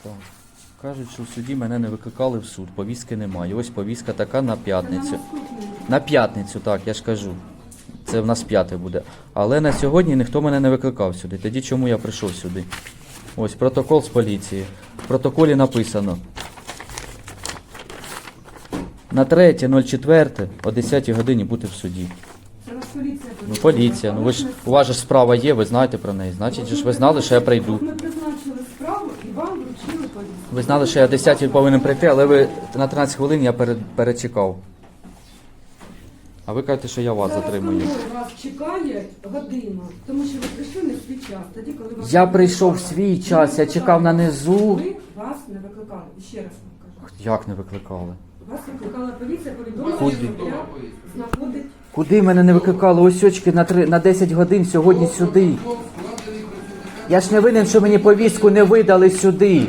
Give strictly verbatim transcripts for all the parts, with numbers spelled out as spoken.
Так. Кажуть, що в суді мене не викликали в суд, повістки немає. Ось повістка така на п'ятницю. На п'ятницю, так, я ж кажу. Це в нас п'яте буде. Але на сьогодні ніхто мене не викликав сюди. Тоді чому я прийшов сюди? Ось протокол з поліції. В протоколі написано. На третє ноль четверте о десятій годині бути в суді. Це вас поліція. Ну, поліція. Ну ви ж, у вас же справа є, ви знаєте про неї. Значить, же ж ви знали, що я прийду. Ми призначили справу і вам вручили повістку. Ви знали, що я о десятій повинен прийти, але ви на тринадцять хвилин я перед, перечекав. А ви кажете, що я вас затримую. Зараз конвой вас чекає годину, тому що ви прийшли не в свій час. Тоді, коли вас Я не прийшов в викликали. свій час, я чекав на низу. Ви вас не викликали. І ще раз вам кажу. Як не викликали? Вас викликала поліція, повідомила, Куди? що я знаходить. Куди мене не викликали? Ось очки на, три, на десять годин сьогодні сюди. Я ж не винен, що мені повістку не видали сюди.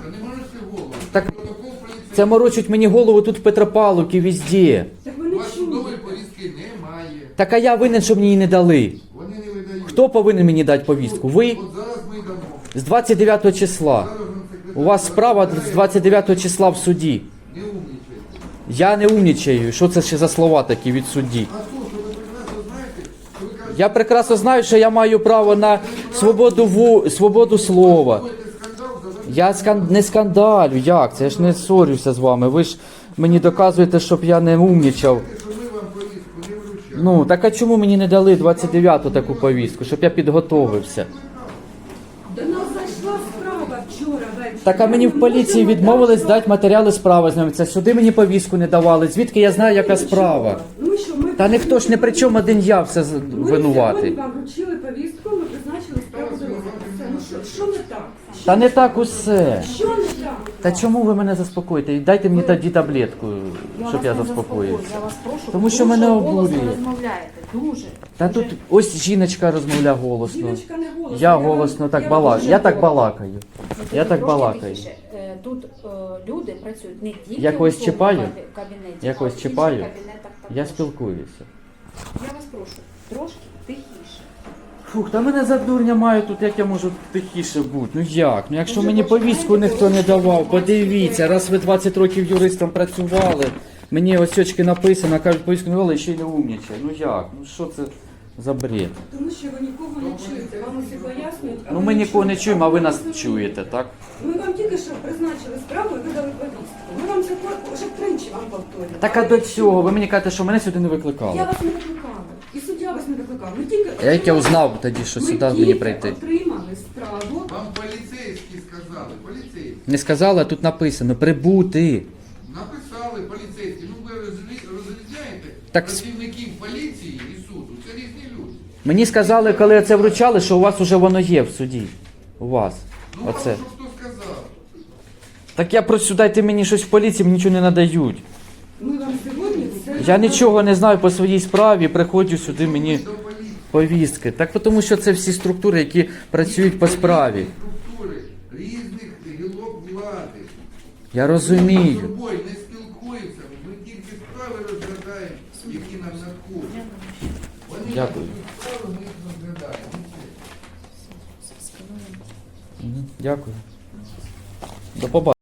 Так це морочуть мені голову тут в Петропавловці, везде. Так ви не чули. Судової повістки немає. Так а я винен, що мені її не дали. Вони не видають. Хто повинен мені дати повістку? Ви? От зараз ми дамо. З двадцять дев'ятого числа. Зараз вам секретар. У вас справа з двадцять дев'ятого числа в суді. Не умнічайте. Я не умнічаю. Що це ще за слова такі від судді? А то, що ви прекрасно знаєте, що ви кажете, Я прекрасно знаю, що я маю право на свободу ву... свободу слова. що це скандал, зараз Я скан... не скандалю, як? Це я ж не ссорюся з вами. Ви ж мені доказуєте, щоб я не умнічав. що ми вам повістку не вручали. Ну, так а чому мені не дали двадцять дев'яту таку повістку, щоб я підготовився? До нас зайшла справа вчора ввечері. Так а мені в поліції відмовились дати матеріали справи знайомитися. Сюди мені повістку не давали. Звідки я знаю, яка справа? Ну що, ми Та ніхто ж не при чому, один я все з- Ми сьогодні винуватий. вам вручили повістку, ми призначили справу до розгляду. Все, ну що, що не так? Та не так усе. Що не так? Та чому ви мене заспокоїте? Дайте мені тоді таблетку, щоб вас я не заспокоївся. заспокою, Я вас прошу, Тому що дуже мене голосно обурює. розмовляєте, дуже. Та тут ось жіночка розмовляє голосно. Жіночка не голосно. Я вам- голосно так вам балакаю. дуже Я так голосно. балакаю. Я так Трошки балакаю. тихіше. Е, Тут е, люди працюють не тільки Я когось у цьому чіпаю? кабі- кабінеті, Я а когось в інших чіпаю? кабінетах також. Я спілкуюся. Я вас прошу, трошки тихіше. Фух, та мене за дурня мають тут, як я можу тихіше бути. Ну як? Ну якщо Дуже мені починаєте повістку ніхто не давав, порушувати подивіться, раз ви двадцять років юристом працювали, мені ось очки написано, кажуть, повістку не давали, і ще й не умнічає. Ну як? Ну що це за бред? Тому що ви нікого не чуєте. Вам усі пояснюють. а Ну ви ми не нікого не чуєте. чуємо, а ви нас не чуєте, так? Ми вам тільки що призначили справу і видали повістку. Ми вам це кор- вже тричі вам повторюємо. Так а до цього, ви мені кажете, що мене сюди не викликали. Я вас не викликала. І суддя вас не викликав. Ми тільки... Я як я узнав тоді, що Ми сюди мені тільки прийти. отримали справу. Вам поліцейські сказали, поліцейські. Не сказали, а тут написано прибути. Написали поліцейські. Ну ви розрі- розрізняєте Так- працівників поліції і суду. Це різні люди. Мені сказали, коли це вручали, що у вас уже воно є в суді. У вас. Ну вам Оце. що хто сказав? Так я просю, дайте мені щось в поліції, мені нічого не надають. Ми вам сьогодні все... Я нічого не знаю по своїй справі, приходжу сюди мені До поліції. повістки. Так тому що це всі структури, які працюють по справі. Структури різних гілок влади. Я Ми з розумію. тобою не спілкуємося, ми тільки справи розглядаємо, які нам надходять. Вони Дякую. надають справи, ми їх розглядаємо. Мгм, дякую. До побачення.